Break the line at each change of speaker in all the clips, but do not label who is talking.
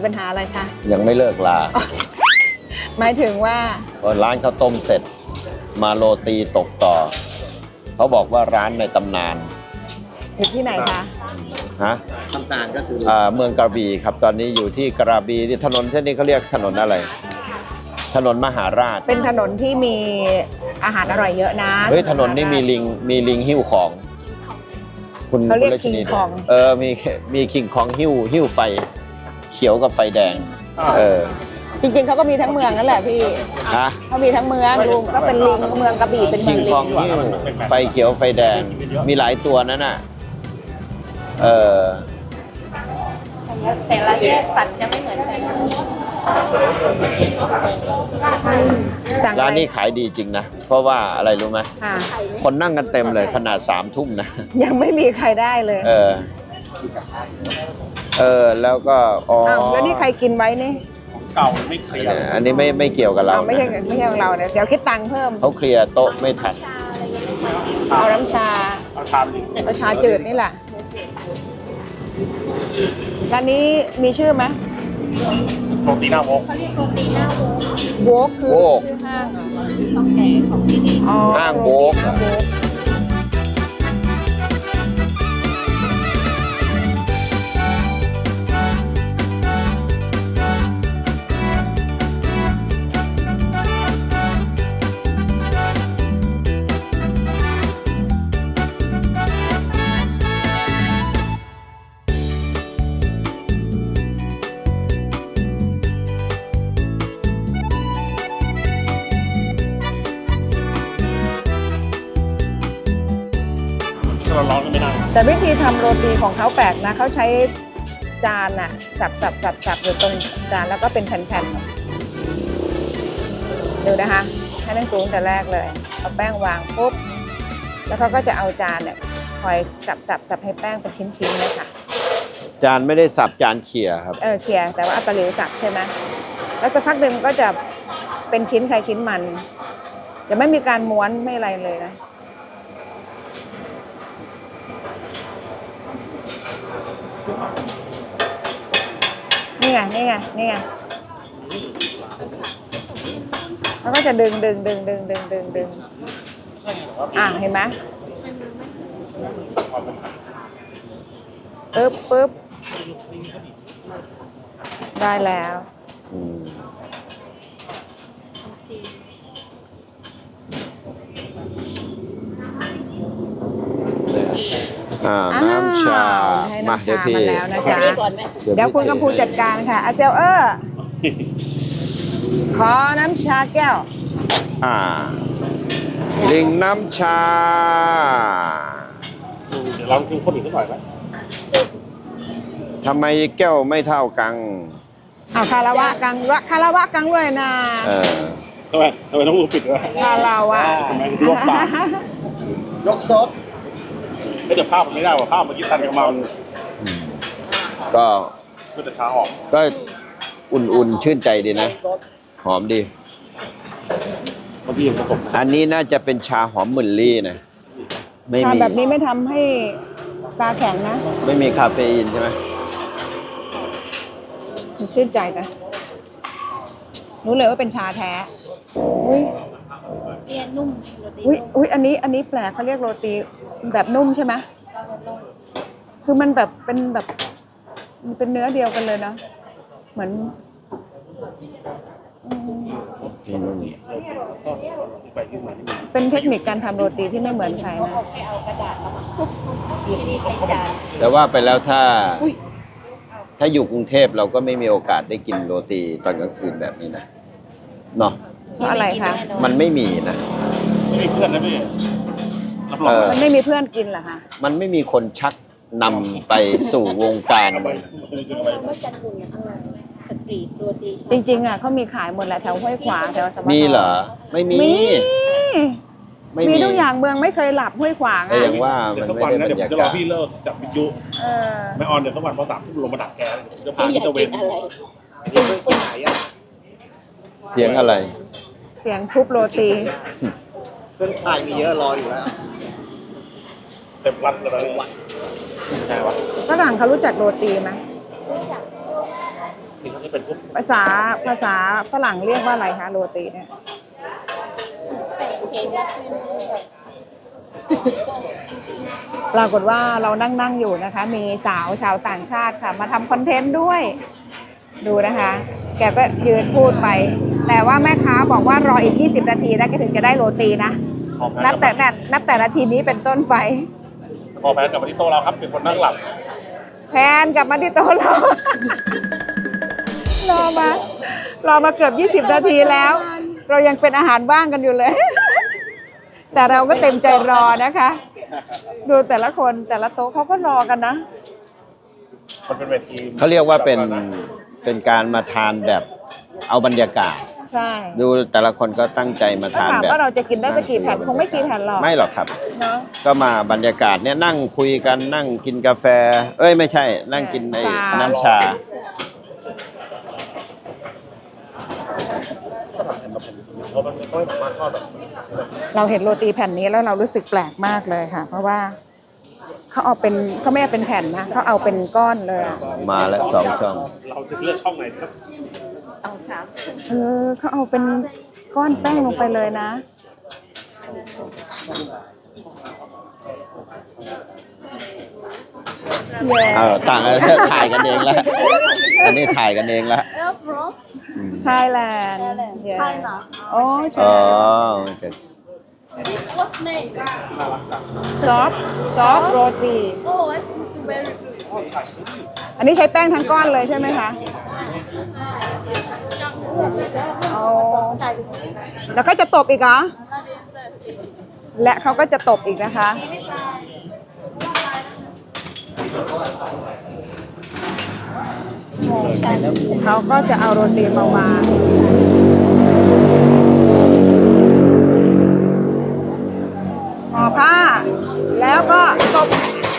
ปัญหาอะไรคะ
ยังไม่เลิกลา
หมายถึงว่า
พอร้านข้าวต้มเสร็จมาโรตีตกต่อเขาบอกว่าร้านในตำนาน
อยู่ที่ไหนคะ
ฮะ
ตำนานก็คือ
เมืองกระบี่ครับตอนนี้อยู่ที่กระบี่ที่ถนนเส้นนี้เขาเรียกถนนอะไร ถนนมหาราช
เป็นถนนที่มีอาหารอร่อยเยอะนะ
เฮ้ยถนนนี้มีลิงหิ้วของคุณ
เขาเรียก
คุณ
คิง
ชนี
คอง
มีคิงคองหิ้วไฟ เขียวกับไฟแดง
จริงๆเขาก็มีทั้งเมืองนั่นแหละพี่
ฮะ
เขามีทั้งเมืองลุงก็เป็นลิงเมืองกระบี่เป็นเมื
คิ
อง
ง
ลิ
คอง
ง
หิ้วไฟเขียวไฟแดงมีหลายตัวนั่นน่ะ
แต่ละแยกสัตว์จะไม่เหมือนกันสั่ง
ร้านนี้ขายดีจริงนะเพราะว่าอะไรรู้ไหม
ค่ะ
คนนั่งกันเต็มเลยขนาด3 ทุ่มนะ
ยังไม่มีใครได้เลย
แล้วก็
อ้าวแล้วนี่ใครกินไว้นี่
เก่าไม่เคลียร์
อันนี้ไม่เกี่ยวกับเรา
อ้าวไม่ใช่ของเราเนี่ยเดี๋ยวคิดตังค์เพิ่ม
เขาเคลียร์โต๊ะไม่ทัน
เอาน้ำชา
เอาชามหนึ่ง
เอาชาจืดนี่แหละร้านนี้มีชื่อไหม
โรตีหน้าวก
โวกคือชื่อห้างเหรออ๋อ
ห้างโบก
ห้างโวก
เราร้อนก็ไม่นั่ง
แต่วิธีทำโรตีของเขาแปลกนะเขาใช้จานอะสับอยู่ตรงจานแล้วก็เป็นแผ่นๆดูนะคะให้นั่งปรุงแต่แรกเลยเอาแป้งวางปุ๊บแล้วเขาก็จะเอาจานเนี่ยคอยสับให้แป้งเป็นชิ้นๆเลยค่ะ
จานไม่ได้สับจานเขี่ยครับ
เขี่ยแต่ว่าเอาตะหลิวสับใช่ไหมแล้วสักพักหนึ่งก็จะเป็นชิ้นใครชิ้นมันจะไม่มีการม้วนไม่อะไรเลยนะนี่ไงแล้วก็จะดึงเห็นไหมปึ๊บได้แล้ว
น้ำชามาเดี๋ยวพี่
มาแล้วนะจ๊ะเดี๋ยวคุณกำพูจัดการค่ะอาเซลขอน้ำชาแก้ว
ลิงน้ำชา
เดี๋ยวเรากินคนอื่นสักหน่อยไหม
ทำไมแก้วไม่เท่ากัน
เอาคาราวะกังด้วยนะ
ทำไมต้องมือปิดด้วย
คาราวะ
ทำไมลวกปากยกซดไม่แต่ภาพมันไม่ได้ว่ะภาพเมื่อกี้ตันกับมัน
ก็
แต่ชาหอม
ก็อุ่นๆชื่นใจดีนะ หอมดี
บางทียังผสม
อันนี้น่าจะเป็นชาหอมหมื่นลี่นะไม่
ชา
มี
แบบนี้ไม่ทำให้ตาแข็งนะ
ไม่มีคาเฟอีนใช่ไหม
มันชื่นใจนะรู้เลยว่าเป็นชาแท้อุ้ยนุ่มอุ้ยอันนี้แปลกเขาเรียกโรตีแบบนุ่มใช่ไหมคือมันแบบเป็นแบบมันเป็นเนื้อเดียวกันเลยเนาะเหมือนเป็นเทคนิคการทำโรตีที่ไม่เหมือนใครนะ
แต่ว่าไปแล้วถ้าอยู่กรุงเทพเราก็ไม่มีโอกาสได้กินโรตีตอนกลางคืนแบบนี้นะเนาะ
เพราะอะไรคะ
มันไม่มีนะ
ไม่มีเพื่อนนะพี่รับรอง
มันไม่มีเพื่อนกินเหรอคะ
มันไม่มีคนชักนำไปสู่วงการ
จริงๆอ่ะเขามีขายหมดแหละแถวห้วยขวางแถวสม
มีเหรอไม่มี
มีทุกอย่างเมืองไม่เคยหลับห้วยขวาง
แต่
อ่ะ
อย่างว่า
เดี๋
มั
ยวน สัก
ไม่
วัน
ได้
นะ
บร
เดี๋ยว
ร
ผม
ยา
จะร
กา
อ
ศ
พี่เลิกจับวิทยุไม่ออนเดี๋ยวสักวันพอ3 ทุ่มลงมาดักแกจะพาพี่ตะเวนไปไหนอ่ะ
เสียงอะไร
เสียงทุบโรตี
เพื่อนชายมีเยอะรออยู่แล้วเต็มรัดเลยใช่ปะ
ฝรั่งเขารู้จักโรตีไหม
นี่ก็จะเป็นพวก
ภาษาฝรั่งเรียกว่าอะไรคะโรตีเนี่ย ปรากฏว่าเรานั่งอยู่นะคะ มีสาวชาวต่างชาติค่ะ มาทำคอนเทนต์ด้วย ดูนะคะ แกก็ยืนพูดไป แต่ว่าแม่ค้าบอกว่ารออีก 20 นาทีนะแกถึงจะได้โรตีนะ นับแต่นาทีนี้เป็นต้นไป
พอแพนกลับมาที่โต๊ะเราครับเป็นคนนั่งหลับ
แพนกลับมาที่โต๊ะเรา รอมาเกือบ 20 นาทีแล้ว เรายังเป็นอาหารว่างกันอยู่เลย แต่เราก็เต็มใจรอนะคะ ดูแต่ละคนแต่ละโต๊ะเขาก็รอกันนะ
มันเป็นเวที
เขาเรียกว่าเป็นการมาทานแบบเอาบรรยากาศ
ใช่
ดูแต่ละคนก็ตั้งใจมา
ถ้า
ทาน
ถาม
แบบ
ว่าเราจะกินได้สักกี่แผ่นคงไม่กี่แผ่นหรอก
ไม่หรอกครับ
เนาะ
ก็มาบรรยากาศเนี่ยนั่งคุยกันนั่งกินกาแฟ เอ้ยไม่ใช่ นั่งกินใน
ชา
น้ำชา
เพราะมันไม่ค่อยสามารถทอดแบบ
เราเห็นโรตีแผ่นนี้แล้วเรารู้สึกแปลกมากเลยค่ะ เพราะว่าเขาไม่เอาเป็นแผ่นนะเขาเอาเป็นก้อนเลยอะ
มาแล้ว2 ช่อง
เราจะเลือกช่องไหนครับ
เขาเอาเป็นก้อนแป้งลงไปเลยนะเย้
ต่างกันถ่ายกันเองแล้ว อันนี้ถ่ายกันเองแล้ว
ไทยแลนด์
China.
โอ้ใช่
อ๋อ
What's name?
ซอฟโรตี
Oh, it's very good.
อันนี้ใช้แป้งทั้งก้อนเลยใช่ไหมคะโอ้แล้วก็จะตบอีกเหรอ และเขาก็จะตบอีกนะคะ เขาก็จะเอาโรตีมาวางห่อผ้า แล้วก็ตบ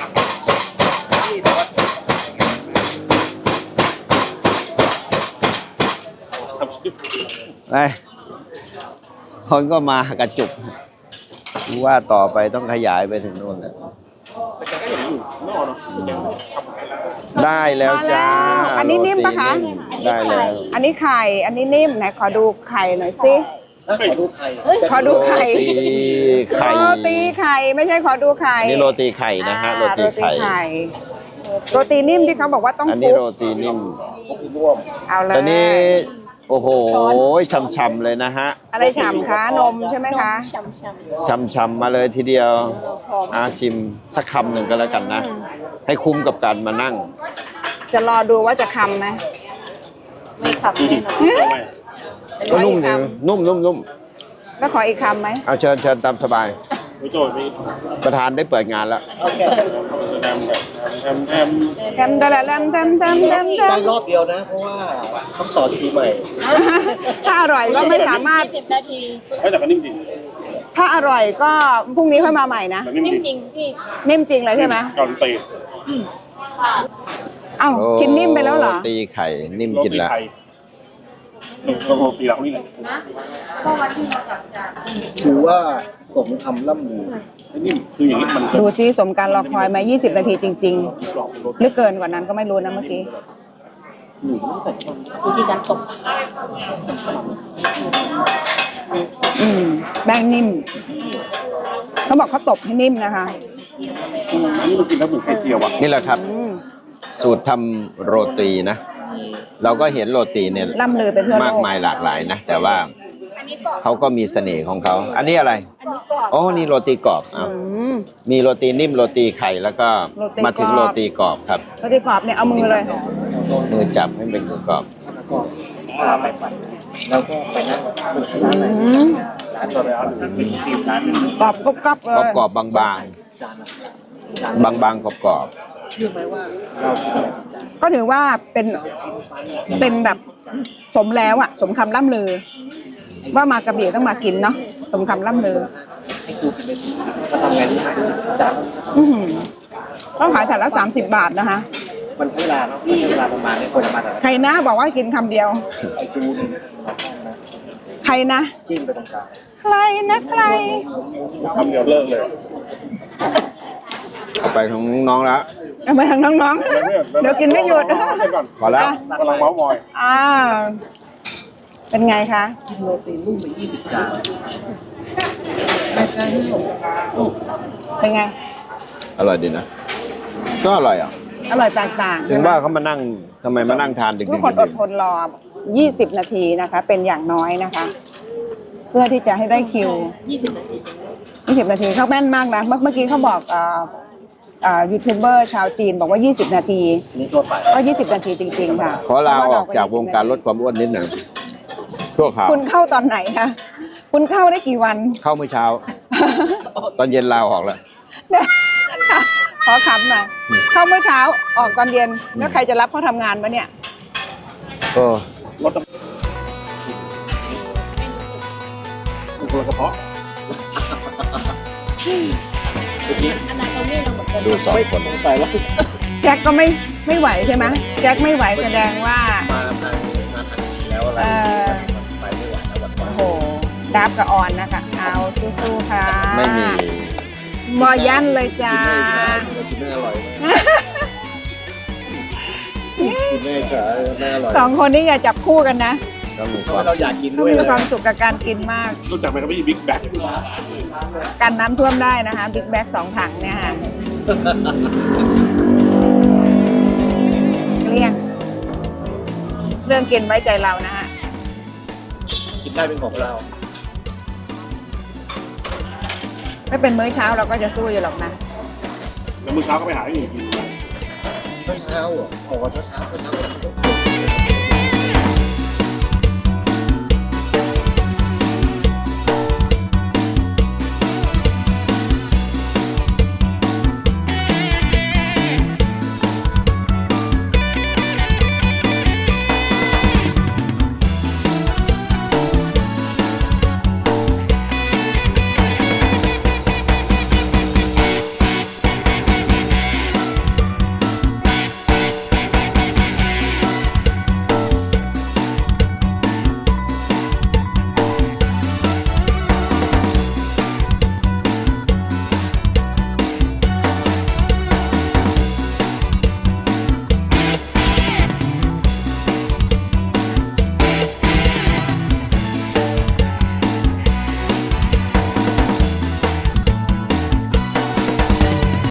ไปคนก็มากระจุกว่าต่อไปต้องขยายไปถึงโน่นแหละ
แต่แกก็ยังอยู่ไม่ออกเนาะแกทำให้แล้ว
ได้แล้วจ้า
มาแล้วอันนี้นิ่มปะคะ
โรตีนิ่มได้แล้ว
อันนี้ไข่ อันนี้นิ่มไหนขอดูไข่หน่อยสิ
ขอดูไข่
ขอดูไข่
โรตีไข่
โรตีไข่ไม่ใช่ขอดูไข่
อันนี้โรตีไข่นะฮะ โรตีไข่
โรตีนิ่มที่เขาบอกว่าต้อง
อัน
ค
นี้
ลุก
โรตีนิ่ม
เอาเลย
ตอนนี้โอ้โหช่ำๆเลยนะฮะ
อะไรฉ่ำคะนมใช่ไหมคะ
ช่ำๆมาเลยทีเดียวชิมสักคำหนึ่งก็แล้วกันนะ ให้คุ้มกับการมานั่ง
จะรอดูว่าจะคำไหม
ไม่ขับแน่นอน
ก็นุ่มดีนุ่ม
แล้วขออีกคำไหม
เอาเชิญตามสบาย
ไม่โจทย์ไม่
ประธานได้เปิดงานแล้ว
แอม
แทมตะละแทม
ได้รอบเดียวนะ เพราะว่าต้องต่อคิวใหม่
ถ้าอร่อยก็ไม่สามารถ
10 นาที
เฮ้ยแต่ก็นิ่มจริง
ถ้าอร่อยก็พรุ่งนี้ค่อยมาใหม่นะ
แต่นิ่ม
นิ่ม
จ
จ
ริ
ริ
ง
งพี่
นิ่มจริงเลยใช่ไหม
เกาหลีเตะ
เอ้ากินนิ่มไปแล้วเหรอ
โตีไข่นิ่ม
โร
กิน
ตี
แล้ว
ไทยโรตีเรานี่แหละ
ถือว่าสมคำล่ำลือ
นิ่มคืออย่างนี้มัน
ดูซิสมการรอคอยมา 20 นาทีจริง
กรอบเป็นโร
ๆ หรือเกินกว่านั้นก็ไม่รู้นะเมื่อกี้
วิธีการตก
แป้งนิ่ม เขาบอกเขาตบให้นิ่มนะคะ
อันนี้มันกินแล้วเหมือนไข่เจียวอ่ะ
นี่แหละครับ
อืม
สูตรทำโรตีนะ เราก็เห็นโรตีเนี่ย
ล่ำลือไปทั่วโล
มาก
ก
มายหลากหลายนะ แต่ว่าเขาก็มีเสน่ห์ของเขา อันนี้อะไร อ๋อ นี่โรตีกรอบอ้าว
อืม
มีโรตีนิ่มโรตีไข่แล้วก็
โรตี
มาถึง
กรอบ
โรตีกรอบครับ
โรตีกรอบเนี่ยเอามือเลย
มือจับให้เป็นมือกรอบ
แล้วก็ไปปั่นแล้วก็ไปนั่งบนร้านไหน
อืม
ร้านตัวแล้วเป็นทีมร้านนึง
กรอบกรุบกรอบเลย
กรอบๆบาง
จานละ
ๆ บางๆกรอบ
เชื่อไหมว่าเรากินแบบจาน
ก็ถือว่าเป็น
เรากินปัน
เป็นแบบสมแล้วอะสมคำล่ำลือ ว่ามากระบี่ต้องมากินเนาะสมคำล่ำลือ
ให้กูเป็นก็ทำไงรู้ไหมจาน
อื้อหือเขาขายแต่ละ30 บาทนะคะ
มันใช้เวลาเนาะมันใช้เวลาประมาณนี้คนจะมาแต่ละ
ใครนะบอกว่ากินคำเดียว
ไอ้จูนี่มาข้างนะ
ใครนะ
จิ้มไปตรงกลาง
ใครนะใคร
คำเดียวเลิกเลย
ไปของน้องแล้ว
เอามาทางน้องๆ เดี๋ยวกินไม่หยุด
พอแล้ว
กำลังเมาส์มอย
อ่าเป็นไงคะ
กินโรตีนุ่มไป20 จาน
เป็นไง
อร่อยดีนะ ก็อร่อยอ่ะ
อร่อยแตกต่าง
ถึงว่าเขามานั่งทำไมมานั่งทานดึก
ทุกคนอดทนรอ 20 นาทีนะคะ เป็นอย่างน้อยนะคะ เพื่อที่จะให้ได้คิว
20 นาที
20 นาทีเขาแม่นมากนะ เมื่อกี้เขาบอกยูทูบเบอร์ชาวจีนบอกว่า 20 นาที
นี่ทั่วไป
ก็ 20 นาทีจริง ๆ ค่ะ
ขอลาออกจากวงการลดความอ้วนนิดหนึ่งชั่วคราว
คุณเข้าตอนไหนคะ คุณเข้าได้กี่วัน
เข้าเมื่อเช้า ตอนเย็นลาออกแล้ว
ขอขำหน่อย เข้าเมื่อเช้าออกตอนเย็น แล้วใครจะรับเขาทำงานมาเนี่ย
ก็
รถตัวกระเพาะ
อันนั้นเราไม่เราเหมือนกัน
ดูสองคน
ไปว่า
แจ็คก็ไม่ไหวใช่ไหมแจ็คไม่ไหวแสดงว่า
มาแล้วอะไร ไปไม่ไหวแล้ววัน
โอ้โหดับกับออนนะคะ เอาสู้ๆค่ะ
ไม่มี
มอยันเลยจ้า
กินไม่อร่อยกินไม่จ๋าไม่อร่อย
สองคนนี้อย่าจับคู่กันนะ
ก็มีค
ทำ
วา
ไม
ม
เราอยากกิน
ต้อ
ด้
ง
วย
มี
เลย
ความสุขกับการกินมาก
รู้จักไหมครับพี่บิ๊กแบ็ค
กันน้ำท่วมได้นะคะบิ๊กแบ็ก2 ถังเนี่ยค่ะเกลี้ยง เรื่องกินไว้ใจเรานะฮะ
กินได้เป็นของเรา
ไม่เป็นมื้อเช้าเราก็จะสู้อยู่หรอกนะ
แล้วมื้อเช้าก็ไปหาอย่างอื่นกิน
เช้าๆบอกว่าเช้าๆ